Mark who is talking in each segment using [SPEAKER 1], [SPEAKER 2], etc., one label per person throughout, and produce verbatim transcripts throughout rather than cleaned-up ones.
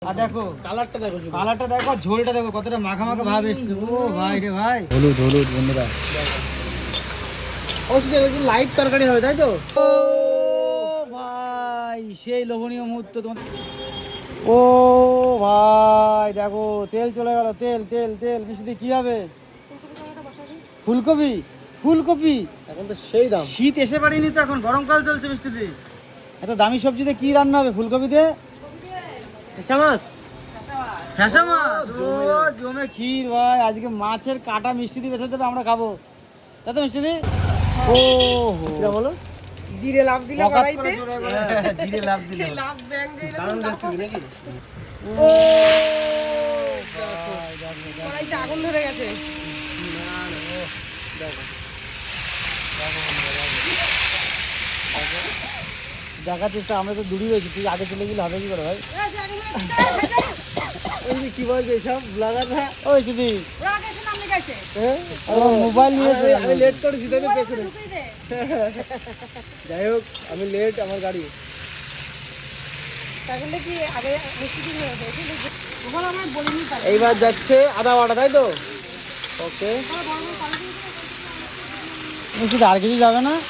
[SPEAKER 1] দেখো কালারটা দেখো, কালারটা দেখো, ঝোলটা দেখো, কতটা মাখা মাখা ভাব এসছে। ও ভাই রে ভাই, হলুদ হলুদ বন্ধুরা, লাইট তরকারি হবে তাই তো? ও ভাই সেই লোভনীয় মুহূর্ত তোমার। ও ভাই দেখো তেল চলে গেল, তেল তেল তেল। মিষ্টি কি হবে? ফুলকপি, ফুলকপি এখন তো সেই দাম। শীত এসে পারিনি তো, এখন গরমকাল চলছে মিষ্টিদি। এত দামি সবজিতে কি রান্না হবে? ফুলকপিতে ফ্যাসা মাছ, ফ্যাসা মাছ ও জমে ক্ষীর ভাই। আজকে মাছের কাটা মিষ্টি দিয়ে বেঁচে দেবে, আমরা খাবো তাই তো মিষ্টি? ও কি বলো?
[SPEAKER 2] জিরে লাভ দিলে কড়াইতে,
[SPEAKER 1] জিরে লাভ দিলে
[SPEAKER 2] লাভ ব্যাং দিলে
[SPEAKER 1] কারণ রেসিপি নাকি? ও
[SPEAKER 2] কড়াইতে আগুন ধরে গেছে।
[SPEAKER 1] দেখা চেষ্টা, আমরা তো দূরই রয়েছি, তুই আগে চলে গেলে হবে কি করে ভাই? কি বলছে এইসব ব্লগাররা? ওই শুধু মোবাইল নিয়েছে, আমি লেট করেছি তাই তো পেছনে। যাই হোক আমি লেট, আমার গাড়ি। এইবার যাচ্ছে আদা বাটা তাই তো? ওকে, শুধু আর কিছু যাবে না?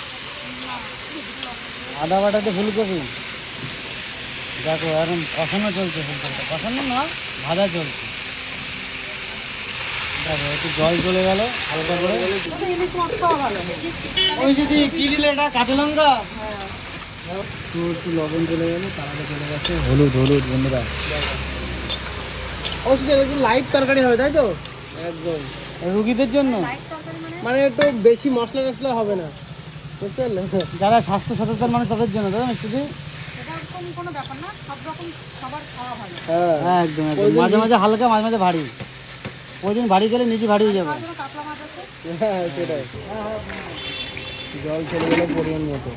[SPEAKER 1] আদা বাটাতে ফুলকপি দেখো এখন কষানো চলছে, ফুলকপিটা কষানো না ভাজা চলছে। দেখো একটু জল চলে গেল হালকা করে। ওই যদি কি দিলে এটা, কাঁচা লঙ্কা, একটু একটু লবণ চলে গেল, তারাটা চলে গেছে, হলুদ হলুদ বন্ধুরা। অবশ্যই একটু লাইট তরকারি হবে তাই তো? একদম রুগীদের জন্য, মানে একটু বেশি মশলা টশলা হবে না, বুঝতে পারলে? যারা স্বাস্থ্য সচেতন মানুষ তাদের জন্য, তাই না শুধু? হ্যাঁ একদম একদম, মাঝে মাঝে হালকা, মাঝে মাঝে ভারী। ওই দিন ভারী গেলে নিজে ভারী হয়ে যাবে। হ্যাঁ সেটাই। জল চলে গেলে পরিমাণ মতো।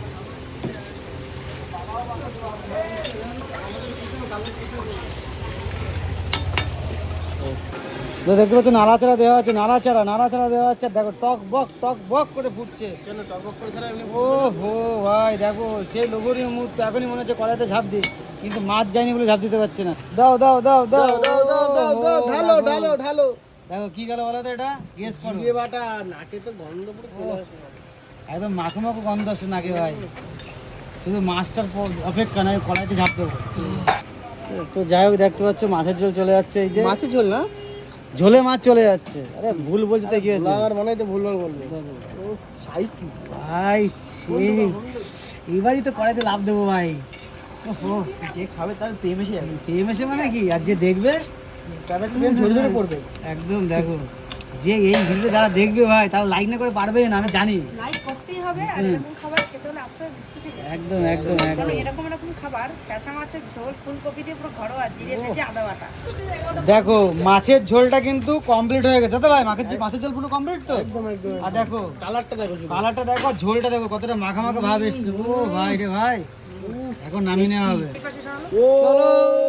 [SPEAKER 1] দেখতে পাচ্ছ নাড়াচাড়া দেওয়া আছে, নাড়াচাড়া নাড়াচাড়া দেওয়া আছে। দেখো টক বক টক বক করে ফুটছে। ও হো ভাই দেখো সেই লোভনীয় মুহূর্ত। এখনই মনে হচ্ছে কড়াইতে ঝাঁপ দিই, কিন্তু মাছ যায়নি বলে ঝাঁপ দিতে পারছে না। দাও দাও দাও দাও দাও দাও দাও দাও, ঢালো ঢালো ঢালো। দেখো কি গেল বলো তো, এটা গেস করো। জিরে বাটা, নাকে তো গন্ধ পুরো চলে আসে, একদম মাখো মাখো গন্ধ আসছে নাকে ভাই। শুধু মাছটার অপেক্ষা নয়, কড়াইতে ঝাঁপ দেবো। তো যাই হোক দেখতে পাচ্ছ মাছের ঝোল চলে যাচ্ছে। এই যে মাছের ঝোল না, ঝোলে মাছ চলে যাচ্ছে। আরে ভুল বলছি তো, কি হয়েছে? আমার মনে হয় তো ভুল ভাল বলবো। ও সাইজ কি ভাই, সেই এবারই তো কড়াইতে লাভ দেবো ভাই। ওহো, যে খাবে তার প্রেম এসে যাবে। প্রেম এসে মানে কি, আর যে দেখবে তারা তো ঝরে ঝরে পড়বে একদম। দেখো যে এই ভিডিও যারা দেখবে ভাই, তারা লাইক না করে পারবে না, আমি জানি। লাইক করতেই হবে, আর এরকম খাবার খেতে হলে আস্তে আস্তে থেকে একদম একদম একদম। এরকম এরকম খাবার, কাঁচা মাছের ঝোল, ফুলকপি দিয়ে পুরো ঘরোয়া, জিরে ভেজে আদা বাটা। দেখো মাছের ঝোলটা কিন্তু কমপ্লিট হয়ে গেছে তো ভাই। মাছের মাছের ঝোল পুরো কমপ্লিট তো একদম একদম। আর দেখো কালারটা দেখো, কালারটা দেখো, ঝোলটা দেখো, কতটা মাখা মাখা ভাব এসছে। ও ভাই রে ভাই, এখন নামিয়ে নেওয়া হবে। চলো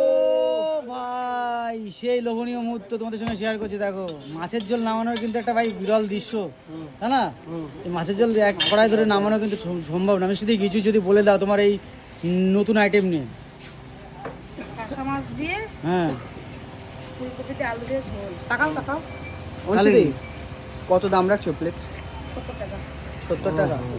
[SPEAKER 1] ভাই সেই লোভনীয় মুহূর্ত তোমাদের সঙ্গে শেয়ার করছি। দেখো মাছের ঝোল নামানোর কিন্তু একটা ভাই বিরল দৃশ্য, তাই না? এই মাছের ঝোল এক কড়াই ধরে নামানো কিন্তু সম্ভব না। আমি শুধু কিছু যদি বলে দাও তোমার এই নতুন আইটেম নিয়ে।
[SPEAKER 2] কাঁচা মাছ দিয়ে,
[SPEAKER 1] হ্যাঁ,
[SPEAKER 2] ফুলকপিতে আলু দিয়ে ঝোল। টাকাও টাকাও
[SPEAKER 1] কত দাম রাখছো প্লেট?
[SPEAKER 2] সত্তর টাকা।
[SPEAKER 1] সত্তর টাকা।